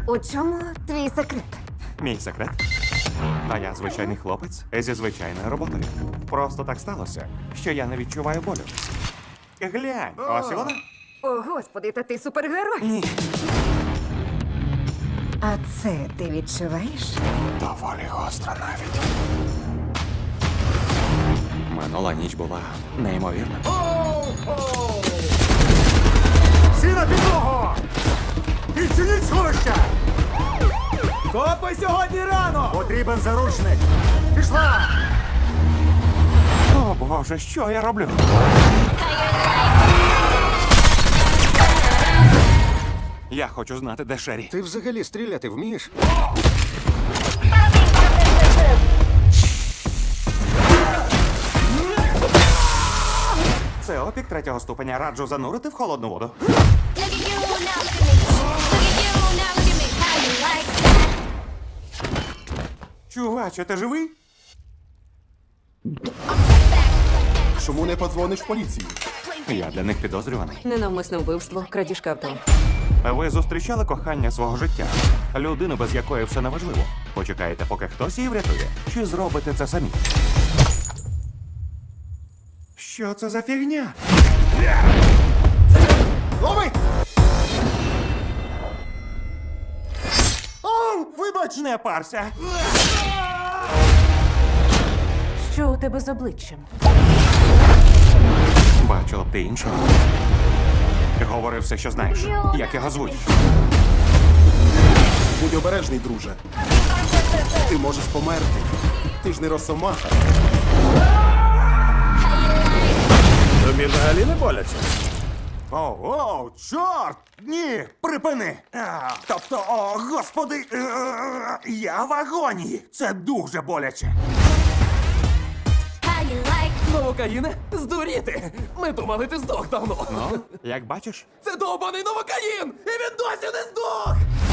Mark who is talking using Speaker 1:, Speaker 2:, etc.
Speaker 1: У чому твій секрет?
Speaker 2: Мій секрет. А я звичайний хлопець зі звичайною роботою. Просто так сталося, що я не відчуваю болю. Глянь, ось і вона.
Speaker 1: О, господи, та ти супергерой.
Speaker 2: Ні.
Speaker 1: А це ти відчуваєш?
Speaker 2: Доволі гостро навіть. Минула ніч була неймовірна.
Speaker 3: Всі на підлогу! Відчиніть сховища!
Speaker 4: Копи сьогодні рано!
Speaker 3: Потрібен заручник! Пішла!
Speaker 2: О боже, що я роблю? Я хочу знати, де Шері.
Speaker 3: Ти взагалі стріляти вмієш?
Speaker 2: Це опік третього ступеня. Раджу занурити в холодну воду.
Speaker 5: Look at you now, look at me. Look at you now, look at me. How you like that?
Speaker 2: Чуваче, ти живий?
Speaker 3: Чому не подзвониш в поліцію?
Speaker 2: Я для них підозрюваний.
Speaker 1: Ненавмисне вбивство, крадіжка авто.
Speaker 2: Ви зустрічали кохання свого життя? Людину, без якої все неважливо. Почекаєте, поки хтось її врятує? Чи зробите це самі? Що це за фігня?
Speaker 3: Лови! О, вибач!
Speaker 2: Не парся!
Speaker 1: Що у тебе з обличчям?
Speaker 2: Бачила б ти іншого. Говори все, що знаєш. Як його звуть?
Speaker 3: Будь обережний, друже. Ти можеш померти. Ти ж не росомаха.
Speaker 4: Тобі взагалі не боляться?
Speaker 2: О, чорт! Ні, припини! Тобто, о, господи, я в агонії. Це дуже боляче.
Speaker 5: How you like
Speaker 4: Новокаїне? Здуріти! Ми думали, ти здох давно.
Speaker 2: Ну, як бачиш,
Speaker 4: Це довбаний новокаїн! І він досі не здох!